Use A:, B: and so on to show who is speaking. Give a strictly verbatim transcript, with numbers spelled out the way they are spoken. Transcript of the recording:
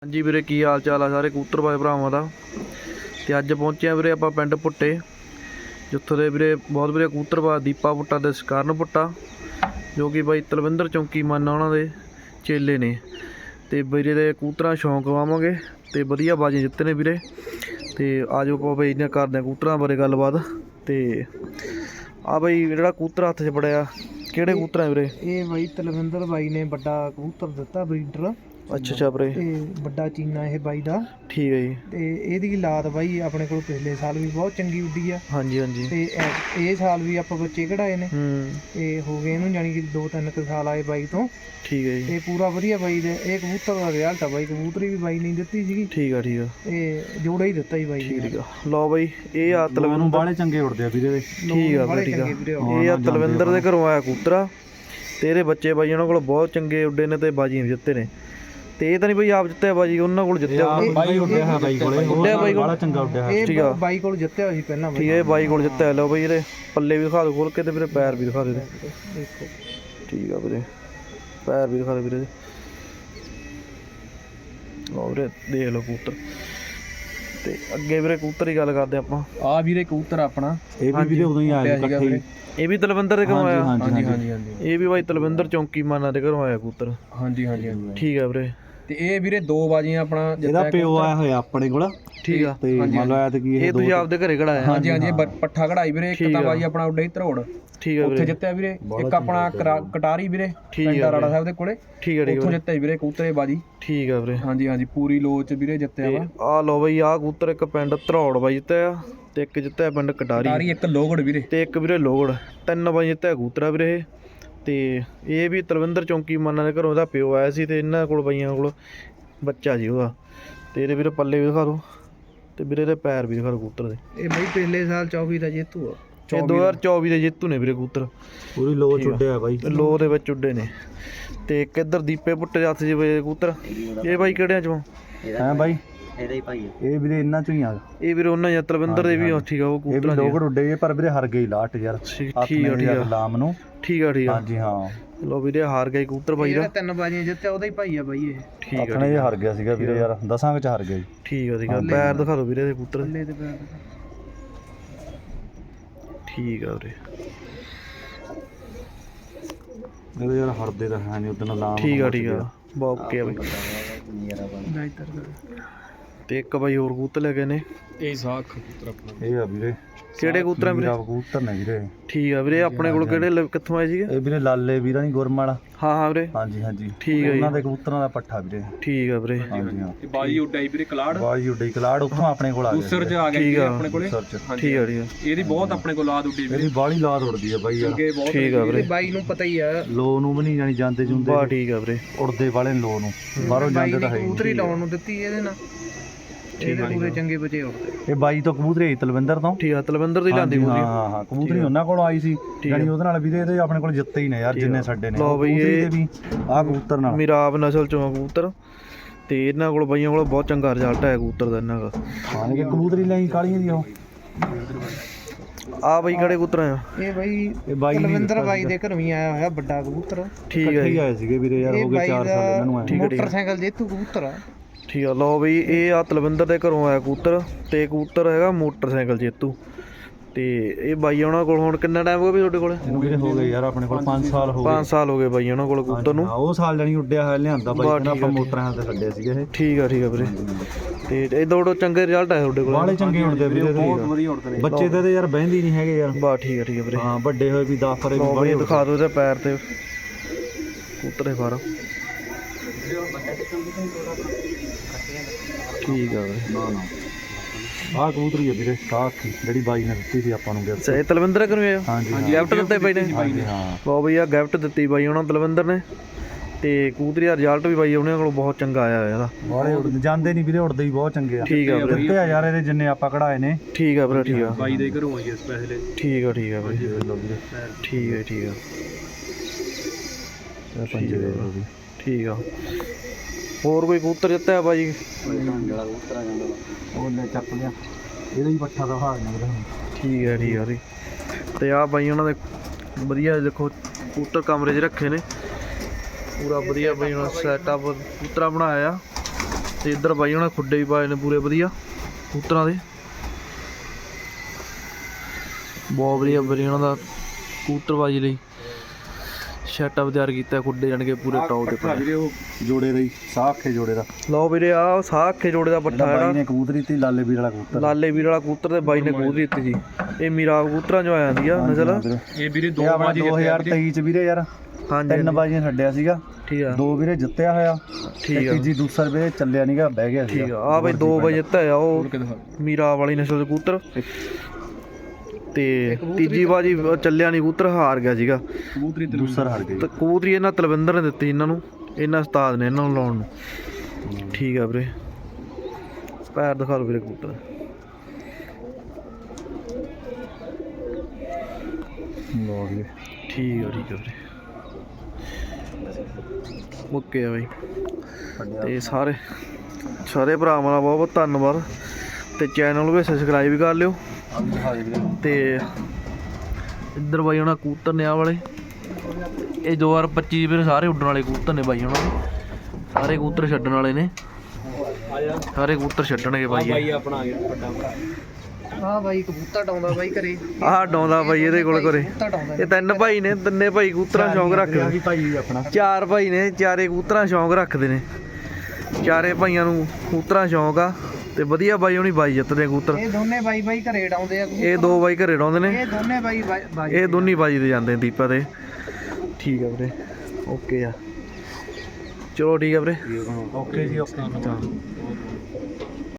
A: ਹਾਂਜੀ ਵੀਰੇ, ਕੀ हाल चाल आ सारे कबूतर बाज भरावां दा। ते अज पहुंचे वीरे आपां पिंड भुट्टे, जित्थों दे वीरे बहुत वीरे कबूतरबाज दीपा भुट्टा ते सकरन भुट्टा, जो कि बाई तलविंदर चौंकी माना उन्हां दे चेले ने। ते वीरे दे कबूतरां शौक वावांगे ते वधिया बाजियां जित्ते ने वीरे। ते आजो आपां बाई ने करदे कबूतरां बारे गलबात। ते आ बाई जिहड़ा कबूतर हत्थ च फड़िया किहड़े कबूतर है वीरे?
B: ये बाई तलविंदर बाई ने बड़ा कबूतर दिता ब्रीडर।
A: अच्छा अच्छा वीरे,
B: ते बड़ा चीना ये बाई दा।
A: ठीक है जी।
B: ते एहदी लात बाई अपने कोल पिछले साल भी बहुत चंगी उड्डी आ।
A: हाँ जी हाँ जी।
B: ते इस साल भी आपां बच्चे कढाए ने।
A: हम्म,
B: ते हो गए इहनूं जानी कि दो तीन क साल आए बाई तो।
A: ठीक है जी।
B: ते पूरा वधिया बाई दे ये कबूतर दा रिजल्ट आ बाई। कबूतरी भी बाई ने दित्ती सीगी।
A: ठीक है ठीक है
B: ते जोड़ा ही दित्ता ही बाई ने।
A: ठीक है। लो बाई ये आ तलविंदर
C: बाले चंगे उड़दे आ वीरे दे।
A: ठीक है
B: बड़े
A: ठीक
B: चंगे
A: है।
B: वीरे।
A: ये आ तलविंदर दे घरों आया कबूतरा ते इहदे बच्चे बाई उन्हां कोल बहुत चंगे उड्डे ने ते बाजियां भी जित्ते ने। ते ਇਹ ਤਾਂ ਨਹੀਂ ਬਈ ਆਪ ਜਿੱਤਿਆ ਬਾਜੀ ਉਹਨਾਂ ਕੋਲ ਜਿੱਤਿਆ
C: ਬਾਈ ਉੱਡਿਆ ਹੈ ਬਾਈ ਕੋਲੇ
A: ਉੱਡਿਆ ਬਾਈ ਕੋਲ
C: ਬੜਾ ਚੰਗਾ ਉੱਡਿਆ ਹੈ।
A: ਠੀਕ ਆ
B: ਇਹ ਬਾਈ ਕੋਲ ਜਿੱਤਿਆ ਹੋਈ ਪਹਿਲਾਂ ਬਾਈ।
A: ਠੀਕ ਹੈ ਬਾਈ ਕੋਲ ਜਿੱਤਿਆ। ਲਓ ਬਈ ਇਹਦੇ ਪੱਲੇ ਵੀ ਦਿਖਾ ਦਿਓ ਖੋਲ ਕੇ ਤੇ ਵੀਰੇ ਪੈਰ ਵੀ ਦਿਖਾ ਦਿਓ
B: ਦੇਖੋ
A: ਠੀਕ ਆ ਵੀਰੇ, ਪੈਰ ਵੀ ਦਿਖਾ ਦਿਓ ਵੀਰੇ। ਲਓ ਵੀਰੇ ਦੇਖ ਲਓ ਕਬੂਤਰ। ਤੇ ਅੱਗੇ ਵੀਰੇ ਕਬੂਤਰ ਦੀ ਗੱਲ ਕਰਦੇ ਆਪਾਂ।
B: ਆ ਵੀਰੇ ਕਬੂਤਰ ਆਪਣਾ
C: ਇਹ ਵੀ ਵੀਰੇ ਉਦੋਂ ਹੀ ਆਇਆ ਇਕੱਠੇ ਹੀ।
A: ਇਹ ਵੀ ਤਲਵਿੰਦਰ ਦੇ ਘਰੋਂ ਆਇਆ?
C: ਹਾਂਜੀ
B: ਹਾਂਜੀ ਹਾਂਜੀ।
A: ਇਹ ਵੀ ਬਾਈ ਤਲਵਿੰਦਰ ਚੌਂਕੀ ਮਾਨਾ ਦੇ ਘਰੋਂ ਆਇਆ ਕਬੂਤਰ।
B: ਹਾਂਜੀ ਹਾਂਜੀ ਹਾਂਜੀ।
A: ਠੀਕ ਆ ਵੀਰੇ।
B: ਤੇ ਇਹ ਵੀਰੇ ਦੋ ਬਾਜੀਆਂ ਆਪਣਾ
C: ਇਹਦਾ ਪਿਓ ਆਇਆ ਹੋਇਆ ਆਪਣੇ ਕੋਲ।
A: ਠੀਕ ਆ।
C: ਤੇ ਮੰਨ ਲਓ ਆਇਆ ਤੇ ਕੀ
A: ਇਹ ਤੁਸੀਂ ਆਪਦੇ ਘਰੇ ਕਢਾਇਆ?
B: ਹਾਂਜੀ ਹਾਂਜੀ। ਪੱਠਾ ਕਢਾਈ ਵੀਰੇ। ਇੱਕ ਤਾਂ ਬਾਜੀ ਆਪਣਾ ਉੱਡੇ ਧਰੋੜ।
A: ਠੀਕ ਆ
B: ਉੱਥੇ
A: ਵੀਰੇ।
B: ਜਿੱਤਿਆ ਵੀਰੇ। ਇੱਕ ਆਪਣਾ ਕਟਾਰੀ ਵੀਰੇ ਪਿੰਡ ਰਾੜਾ ਸਾਹਿਬ ਦੇ ਕੋਲੇ।
A: ਠੀਕ ਆ ਠੀਕ
B: ਉੱਥੋਂ
A: ਆ
B: ਜਿੱਤਿਆ ਵੀਰੇ ਕਬੂਤਰੇ ਬਾਜੀ।
A: ਠੀਕ ਆ ਵੀਰੇ।
B: ਹਾਂਜੀ ਹਾਂਜੀ ਪੂਰੀ ਲੋਚ ਵੀਰੇ ਜਿੱਤਿਆ ਵਾ।
A: ਆ ਲਓ ਬਈ ਆ ਕਬੂਤਰ ਇੱਕ ਪਿੰਡ ਧਰੋੜ ਬਾਈ ਜਿੱਤਿਆ ਤੇ ਇੱਕ ਜਿੱਤਿਆ ਪਿੰਡ ਕਟਾਰੀ।
B: ਕਟਾਰੀ ਇੱਕ ਲੋਗੜ ਵੀਰੇ
A: ਤੇ ਇੱਕ ਵੀਰੇ ਲੋਗੜ। ਤਿੰਨ ਬਾਈ ਜਿੱਤਿਆ ਕਬੂਤਰਾ ਵੀਰੇ ਇਹ। ਤੇ ਇਹ ਵੀ ਤਲਵਿੰਦਰ ਚੌਂਕੀ ਮਾਨਾ ਦੇ ਘਰੋਂ ਇਹਦਾ ਪਿਓ ਆਇਆ ਸੀ ਤੇ ਇਹਨਾਂ ਕੋਲ ਬਾਈਆਂ ਕੋਲ ਬੱਚਾ ਜੀ ਉਹਦਾ। ਤੇ ਇਹਦੇ ਵੀਰੇ ਪੱਲੇ ਵੀ ਦਿਖਾ ਦਿਓ ਤੇ ਵੀਰੇ ਦੇ ਪੈਰ ਵੀ ਦਿਖਾ ਦਿਓ ਕਬੂਤਰ ਦੇ।
B: ਇਹ ਬਾਈ ਪਿਛਲੇ ਸਾਲ ਚੌਵੀ ਦਾ ਜੇਤੂ ਆ।
A: ਇਹ ਦੋ ਹਜ਼ਾਰ ਚੌਵੀ ਦੇ ਜੇਤੂ ਨੇ ਵੀਰੇ ਕਬੂਤਰ।
C: ਪੂਰੀ ਲੋ ਉੱਡਿਆ ਬਾਈ।
A: ਲੋ ਦੇ ਵਿੱਚ ਉੱਡੇ ਨੇ। ਤੇ ਇੱਕ ਇੱਧਰ ਦੀਪੇ ਭੁੱਟੇ ਹੱਥ ਜੀ ਵੇ ਕਬੂਤਰ। ਇਹ ਬਾਈ ਕਿਹੜਿਆਂ ਚੋਂ?
C: ਹੈ ਬਾਈ ਇਹਦਾ ਹੀ ਭਾਈ ਇਹ ਵੀਰੇ ਇਹਨਾਂ ਚੋਂ ਹੀ ਆ।
A: ਇਹ ਵੀਰੇ ਉਹਨਾਂ ਜਾਂ ਤਲਵਿੰਦਰ ਦੇ ਵੀ ਠੀਕ ਆ ਉਹ
C: ਇਹ ਵੀ
A: ਕਬੂਤਰਾਂ
C: ਲੋਗੜ ਉੱਡੇ ਪਰ ਵੀਰੇ ਹਰ ਗਈ ਲਾਟ ਯਾਰ।
A: ਠੀਕ ਆ ਠੀਕ ਆ
C: ਲਾਮ ਨੂੰ।
A: ਠੀਕ ਆ ਠੀਕ ਆ।
C: ਹਾਂਜੀ ਹਾਂ।
A: ਲੋ ਵੀਰੇ ਹਾਰ ਗਏ ਕਬੂਤਰ ਬਾਈ ਦਾ।
B: ਤਿੰਨ ਬਾਜੀਆਂ ਜਿੱਤਿਆ ਉਹਦਾ ਹੀ ਭਾਈ ਆ ਬਾਈ ਇਹ।
A: ਠੀਕ ਆ
C: ਆਪਣੇ ਇਹ ਹਾਰ ਗਿਆ ਸੀਗਾ ਵੀਰੇ ਯਾਰ। ਦਸਾਂ ਵਿੱਚ ਹਾਰ ਗਿਆ ਜੀ।
A: ਠੀਕ ਆ ਠੀਕ ਆ। ਪੈਰ ਦਿਖਾ ਦਿਓ ਵੀਰੇ ਦੇ ਕਬੂਤਰ।
B: ਪੱਲੇ ਤੇ ਪੈਰ
A: ਠੀਕ ਆ ਵੀਰੇ।
C: ਇਹਦੇ ਯਾਰ ਹਰਦੇ ਤਾਂ ਹੈ ਨਹੀਂ ਉਦੋਂ ਲਾਮ।
A: ਠੀਕ ਆ ਠੀਕ ਆ ਬਹੁਤ ਓਕੇ ਆ ਬਈ। ਤੇ ਇੱਕ ਬਾਈ ਹੋਰ ਕਬੂਤਰ ਲੈ ਗਏ ਨੇ।
B: ਇਹ ਸਾਖ ਕਬੂਤਰ ਆਪਣਾ।
C: ਇਹ ਆ ਵੀਰੇ
A: ਕਿਹੜੇ ਕਬੂਤਰ ਵੀਰੇ?
C: ਕਬੂਤਰ ਨੇ ਵੀਰੇ।
A: ਠੀਕ ਆ ਵੀਰੇ। ਆਪਣੇ ਕੋਲ ਕਿਹੜੇ ਕਿੱਥੋਂ ਆਏ ਸੀਗੇ?
C: ਇਹ ਵੀਰੇ ਲਾਲੇ ਵੀਰਾਂ ਦੀ ਗੁਰਮਾਲਾ।
A: ਹਾਂ ਹਾਂ ਵੀਰੇ।
C: ਹਾਂਜੀ ਹਾਂਜੀ
A: ਠੀਕ ਆ ਜੀ।
C: ਉਹਨਾਂ ਦੇ ਕਬੂਤਰਾਂ ਦਾ ਪੱਠਾ ਵੀਰੇ।
A: ਠੀਕ ਆ ਵੀਰੇ।
C: ਹਾਂਜੀ ਹਾਂ।
B: ਤੇ ਬਾਜੀ ਉੱਡਾਈ ਵੀਰੇ ਕਲਾੜ।
C: ਬਾਜੀ ਉੱਡੀ ਕਲਾੜ ਉੱਥੋਂ ਆਪਣੇ ਕੋਲ ਆ ਗਿਆ।
B: ਉਸਰ ਚ ਆ ਗਿਆ ਵੀਰੇ ਆਪਣੇ ਕੋਲੇ।
C: ਸਰਚ
A: ਠੀਕ ਆ ਠੀਕ ਆ।
B: ਇਹਦੀ ਬਹੁਤ ਆਪਣੇ ਕੋਲ ਲਾਦ ਉੱਡੀ ਵੀਰੇ।
C: ਇਹਦੀ ਬਾਹਲੀ ਲਾਦ ਉੜਦੀ ਆ ਬਾਈ ਯਾਰ।
A: ਠੀਕ ਆ ਵੀਰੇ।
B: ਬਾਈ ਨੂੰ ਪਤਾ ਹੀ ਆ
C: ਲੋ ਨੂੰ ਵੀ ਨਹੀਂ ਜਾਣੀ ਜਾਂਦੇ ਜੁੰਦੇ।
A: ਬਾ ਠੀਕ ਆ ਵੀਰੇ।
C: ਉੜਦੇ ਵਾਲੇ ਲੋ ਨੂੰ ਬਾਹਰੋਂ ਜਾਂਦੇ ਤਾਂ ਹੈ ਹੀ
B: ਕਬੂਤਰੀ ਲਾਉਣ ਨੂੰ ਦਿੱਤੀ ਇਹਦੇ ਨਾਲ। ਇਹਦੇ ਪੂਰੇ ਚੰਗੇ ਬਚੇ ਉੜਦੇ।
C: ਇਹ ਬਾਈ ਤੋਂ ਕਬੂਤਰੀ ਤਲਵਿੰਦਰ ਤੋਂ।
A: ਠੀਕ ਆ ਤਲਵਿੰਦਰ ਦੀ ਲਾਂਦੀ ਕਬੂਤਰੀ।
C: ਹਾਂ ਹਾਂ ਕਬੂਤਰੀ ਉਹਨਾਂ ਕੋਲ ਆਈ ਸੀ ਜਾਨੀ ਉਹਦੇ ਨਾਲ ਵੀਰੇ ਇਹਦੇ ਆਪਣੇ ਕੋਲ ਜਿੱਤੇ ਹੀ ਨੇ ਯਾਰ ਜਿੰਨੇ ਛੱਡੇ ਨੇ।
A: ਲਓ ਬਈ ਇਹ
C: ਵੀ ਆਹ ਕਬੂਤਰ ਨਾਲ
A: ਮਿਰਾਬ ਨਸਲ ਚੋਂ ਆ ਕਬੂਤਰ। ਤੇ ਇਹਨਾਂ ਕੋਲ ਬਾਈਆਂ ਕੋਲ ਬਹੁਤ ਚੰਗਾ ਰਿਜ਼ਲਟ ਆਇਆ ਕਬੂਤਰ ਦਾ ਇਹਨਾਂ ਦਾ।
C: ਹਾਂ ਇਹ ਕਬੂਤਰੀ ਲਈ ਕਾਲੀਆਂ ਦੀ ਉਹ
A: ਆ ਬਾਈ ਕਿਹੜੇ ਕਬੂਤਰ ਆ?
B: ਇਹ ਬਾਈ
C: ਇਹ ਬਾਈ
B: ਤਲਵਿੰਦਰ ਬਾਈ ਦੇ ਘਰੋਂ ਹੀ ਆਇਆ ਹੋਇਆ ਵੱਡਾ ਕਬੂਤਰ।
A: ਠੀਕ ਹੈ
C: ਹੀ ਆਏ ਸੀਗੇ ਵੀਰੇ ਯਾਰ। ਹੋ ਗਏ ਚਾਰ ਸਾਲ ਇਹਨਾਂ ਨੂੰ ਆਏ।
B: ਮੋਟਰਸਾਈਕਲ ਜੇਤੂ ਕਬੂਤਰ ਆ।
A: ਠੀਕ ਆ। ਲਓ ਬਈ ਇਹ ਆ ਤਲਵਿੰਦਰ ਦੇ ਘਰੋਂ ਆਇਆ ਕਬੂਤਰ ਤੇ ਕਬੂਤਰ ਹੈਗਾ ਮੋਟਰਸਾਈਕਲ ਜੇਤੂ। ਤੇ ਇਹ ਬਾਈ ਉਹਨਾਂ ਕੋਲ ਹੁਣ ਕਿੰਨਾ ਟਾਈਮ ਹੋ ਗਿਆ ਵੀ ਤੁਹਾਡੇ ਕੋਲ?
C: ਇਹਨੂੰ ਵੀਰੇ ਹੋ ਗਏ ਯਾਰ ਆਪਣੇ ਕੋਲ ਪੰਜ ਸਾਲ ਹੋ ਗਏ।
A: ਪੰਜ ਸਾਲ ਹੋ ਗਏ ਬਾਈ ਉਹਨਾਂ ਕੋਲ ਕਬੂਤਰ ਨੂੰ।
C: ਹਾਂ ਉਹ ਸਾਲ ਜਾਨੀ ਉੱਡਿਆ ਹੋਇਆ ਲਿਆਂਦਾ ਬਾਈ ਕਹਿੰਦਾ ਆਪਾਂ ਮੋਟਰਾਂ ਤੇ ਛੱਡਿਆ ਸੀਗਾ ਇਹ।
A: ਠੀਕ ਆ ਠੀਕ ਆ ਵੀਰੇ। ਤੇ ਇਹ ਦੋ ਚੰਗੇ ਰਿਜ਼ਲਟ ਆਏ ਤੁਹਾਡੇ ਕੋਲ?
C: ਬਾਲੇ ਚੰਗੇ ਉੜਦੇ ਵੀਰੇ। ਬਹੁਤ ਵਧੀਆ ਉੜਦੇ ਨੇ ਬੱਚੇ ਤੇ ਯਾਰ ਬਹਿੰਦੇ ਨਹੀਂ ਹੈਗੇ ਯਾਰ।
A: ਬਾ ਠੀਕ ਆ ਠੀਕ ਆ ਵੀਰੇ।
C: ਹਾਂ ਵੱਡੇ ਹੋਏ ਵੀ ਦਸ ਫਰੇ ਵੀ
A: ਬਾਈ ਦਿਖਾ ਦਿਓ ਇਹਦੇ ਪੈਰ ਤੇ ਕਬੂਤਰ ਦੇ ਫਾਰਮ। ਠੀਕ ਆ ਵੀਰੇ।
C: ਨਾ ਨਾ ਆਹ ਕਬੂਤਰੀ ਹੈ ਵੀਰੇ ਸਾਖ ਜਿਹੜੀ ਬਾਈ ਨੇ ਦਿੱਤੀ ਸੀ ਆਪਾਂ ਨੂੰ ਗਿਫਟ।
A: ਸਹੀ ਤਲਵਿੰਦਰ ਘਰੋਂ ਆਇਆ?
C: ਹਾਂਜੀ
A: ਗਿਫਟ ਦਿੱਤੇ ਬਾਈ ਨੇ?
C: ਹਾਂ
A: ਬਹੁਤ ਬਈ ਆ ਗਿਫਟ ਦਿੱਤੀ ਬਾਈ ਉਹਨਾਂ ਤਲਵਿੰਦਰ ਨੇ। ਤੇ ਕਬੂਤਰੀ ਦਾ ਰਿਜ਼ਲਟ ਵੀ ਬਾਈ ਉਹਨਾਂ ਕੋਲ ਬਹੁਤ ਚੰਗਾ ਆਇਆ ਹੋਇਆ ਇਹਦਾ।
C: ਬਾਲੇ ਉੜਦੇ ਜਾਂਦੇ ਨਹੀਂ ਵੀਰੇ ਉੜਦੇ ਵੀ ਬਹੁਤ ਚੰਗੇ ਆ।
A: ਠੀਕ ਆ ਵੀਰੇ।
C: ਦਿੱਤੇ ਆ ਯਾਰ ਇਹਦੇ ਜਿੰਨੇ ਆਪਾਂ ਕਢਾਏ ਨੇ।
A: ਠੀਕ ਆ ਵੀਰੇ ਠੀਕ ਆ।
B: ਬਾਈ ਦੇ ਘਰੋਂ ਆਈ ਸਪੈਸ਼ਲ।
A: ਠੀਕ ਆ ਠੀਕ ਆ ਵੀਰੇ। ਠੀਕ ਆ ਠੀਕ ਆ ਠੀਕ ਆ। ਹੋਰ ਕੋਈ ਕਬੂਤਰ ਜਿੱਤਿਆ ਬਾਈ?
C: ਉਹਨੇ ਚੱਕ ਲਿਆ ਇਹਦਾ ਹੀ ਪੱਠਾ ਦਾ ਹਾਲ ਨਿਕਲਿਆ।
A: ਠੀਕ ਹੈ ਠੀਕ ਆ ਜੀ। ਤੇ ਆ ਬਾਈ ਉਹਨਾਂ ਦੇ ਵਧੀਆ ਦੇਖੋ ਕਬੂਤਰ ਕਮਰੇ 'ਚ ਰੱਖੇ ਨੇ ਪੂਰਾ ਵਧੀਆ ਬਾਈ ਉਹਨਾਂ ਸੈਟਅਪ ਕਬੂਤਰਾ ਬਣਾਇਆ। ਤੇ ਇੱਧਰ ਬਾਈ ਉਹਨਾਂ ਖੁੱਡੇ ਵੀ ਪਾਏ ਨੇ ਪੂਰੇ ਵਧੀਆ ਕਬੂਤਰਾਂ ਦੇ। ਬਹੁਤ ਵਧੀਆ ਵੀਰੇ ਉਹਨਾਂ ਦਾ ਕਬੂਤਰਬਾਜੀ ਲਈ ਸੈਟਅਪ ਤਿਆਰ ਕੀਤਾ, ਖੁੱਡੇ ਜਾਣ ਕੇ ਪੂਰੇ ਟੌਪ ਤੇ ਪਾਏ।
C: ਵੀਰੇ ਉਹ ਜੋੜੇ ਦਾ ਹੀ ਸਾਹ ਅੱਖੇ ਜੋੜੇ ਦਾ।
A: ਲਓ ਵੀਰੇ ਆਹ ਸਾਹ ਅੱਖੇ ਜੋੜੇ ਦਾ ਪੱਠਾ
C: ਬਾਈ
A: ਜਿਹੜਾ
C: ਨੇ ਕਬੂਤਰੀ ਤੀ ਲਾਲੇ ਵੀਰ ਵਾਲਾ ਕਬੂਤਰ।
A: ਲਾਲੇ ਵੀਰ ਵਾਲਾ ਕਬੂਤਰ ਤੇ ਬਾਈ ਨੇ ਕਬੂਤਰੀ ਦਿੱਤੀ ਸੀ। ਇਹ ਮੀਰਾ ਕਬੂਤਰਾਂ ਚੋਂ ਆ ਜਾਂਦੀ ਆ ਨਸਲ।
C: ਇਹ ਵੀਰੇ ਦੋ ਬਾਜੀ ਦੋ ਹਜ਼ਾਰ ਤੇਈ ਚ ਵੀਰੇ ਯਾਰ
A: ਹਾਂਜੀ
C: ਤਿੰਨ ਬਾਜੀਆਂ ਛੱਡਿਆ ਸੀਗਾ।
A: ਠੀਕ ਆ,
C: ਦੋ ਵੀਰੇ ਜਿੱਤਿਆ ਹੋਇਆ।
A: ਠੀਕ ਆ,
C: ਤੀਜੀ ਦੂਸਰਾ ਵੀਰੇ ਚੱਲਿਆ ਨਹੀਂਗਾ, ਬਹਿ ਗਿਆ
A: ਠੀਕ ਆ। ਆ ਬਈ ਦੋ ਵਜੇ ਜਿੱਤਿਆ ਆ ਉਹ ਮੀਰਾ ਵਾਲੀ ਨਸਲ ਦੇ ਕਬੂਤਰ, ਤੇ ਤੀਜੀ ਬਾਜੀ ਚੱਲਿਆ ਨਹੀਂ, ਕਬੂਤਰ ਹਾਰ ਗਿਆ ਸੀਗਾ।
C: ਕਬੂਤਰੀ ਦੂਸਰਾ ਹਾਰ ਗਈ।
A: ਤੇ ਕਬੂਤਰੀ ਇਹਨਾਂ ਤਲਵਿੰਦਰ ਨੇ ਦਿੱਤੀ ਇਹਨਾਂ ਨੂੰ, ਇਹਨਾਂ ਉਸਤਾਦ ਨੇ ਇਹਨਾਂ ਨੂੰ ਲਾਉਣ ਨੂੰ। ਠੀਕ ਆ ਵੀਰੇ, ਪੈਰ ਦਿਖਾ ਲਓ ਵੀਰੇ ਕਬੂਤਰ।
C: ਲੋ ਵੀਰੇ
A: ਠੀਕ ਆ, ਠੀਕ ਆ ਵੀਰੇ, ਓਕੇ ਆ ਬਾਈ। ਤੇ ਸਾਰੇ ਸਾਰੇ ਭਰਾਵਾਂ ਦਾ ਬਹੁਤ ਬਹੁਤ ਧੰਨਵਾਦ, ਤੇ ਚੈਨਲ ਨੂੰ ਵੀ ਸਬਸਕ੍ਰਾਈਬ ਕਰ ਲਿਓ। ਤੇ ਇੱਧਰ ਬਾਈ ਉਹਨਾਂ ਕਬੂਤਰ ਨੇ ਆਹ ਵਾਲੇ, ਇਹ ਦੋ ਹਜ਼ਾਰ ਪੱਚੀ ਵੀਰੇ ਸਾਰੇ ਉੱਡਣ ਵਾਲੇ ਕਬੂਤਰ ਨੇ ਬਾਈ ਉਹਨਾਂ ਦੇ। ਸਾਰੇ ਕਬੂਤਰ ਛੱਡਣ ਵਾਲੇ ਨੇ, ਸਾਰੇ ਕਬੂਤਰ ਛੱਡਣਗੇ ਬਾਈ।
B: ਬਾਈ ਆਪਣਾ ਆ ਗਿਆ ਵੱਡਾ ਭਰਾ। ਹਾਂ ਬਾਈ ਕਬੂਤਰ ਡਾਉਂਦਾ ਬਾਈ ਘਰੇ।
A: ਆਹ ਡਾਉਂਦਾ ਬਾਈ ਇਹਦੇ ਕੋਲ ਘਰੇ।
B: ਕਬੂਤਰ ਡਾਉਂਦਾ
A: ਇਹ ਤਿੰਨ ਭਾਈ ਨੇ, ਤਿੰਨੇ ਭਾਈ ਕਬੂਤਰਾਂ ਸ਼ੌਂਕ ਰੱਖਦੇ।
C: ਭਾਈ ਆਪਣਾ
A: ਚਾਰ ਭਾਈ ਨੇ, ਚਾਰੇ ਕਬੂਤਰਾਂ ਸ਼ੌਂਕ ਰੱਖਦੇ ਨੇ। ਚਾਰੇ ਭਾਈਆਂ ਨੂੰ ਕਬੂਤਰਾਂ ਸ਼ੌਂਕ ਆ, ਤੇ ਵਧੀਆ ਬਾਈ ਹੁਣੀ ਬਾਈ ਜਿੱਤਦੇ ਕਬੂਤਰ।
B: ਇਹ ਦੋਨੇ ਬਾਈ ਬਾਈ ਘਰੇ ਡਾਉਂਦੇ ਆ।
A: ਇਹ ਦੋ ਬਾਈ ਘਰੇ ਡਾਉਂਦੇ ਨੇ,
B: ਇਹ ਦੋਨੇ ਬਾਈ ਬਾਈ
A: ਇਹ ਦੋਨੀ ਬਾਜੀ ਤੇ ਜਾਂਦੇ ਨੇ ਦੀਪਾ ਤੇ। ਠੀਕ ਆ ਵੀਰੇ, ਓਕੇ ਆ, ਚਲੋ ਠੀਕ ਆ ਵੀਰੇ।
C: ਓਕੇ ਜੀ ਓਕੇ।
A: ਹਾਂ।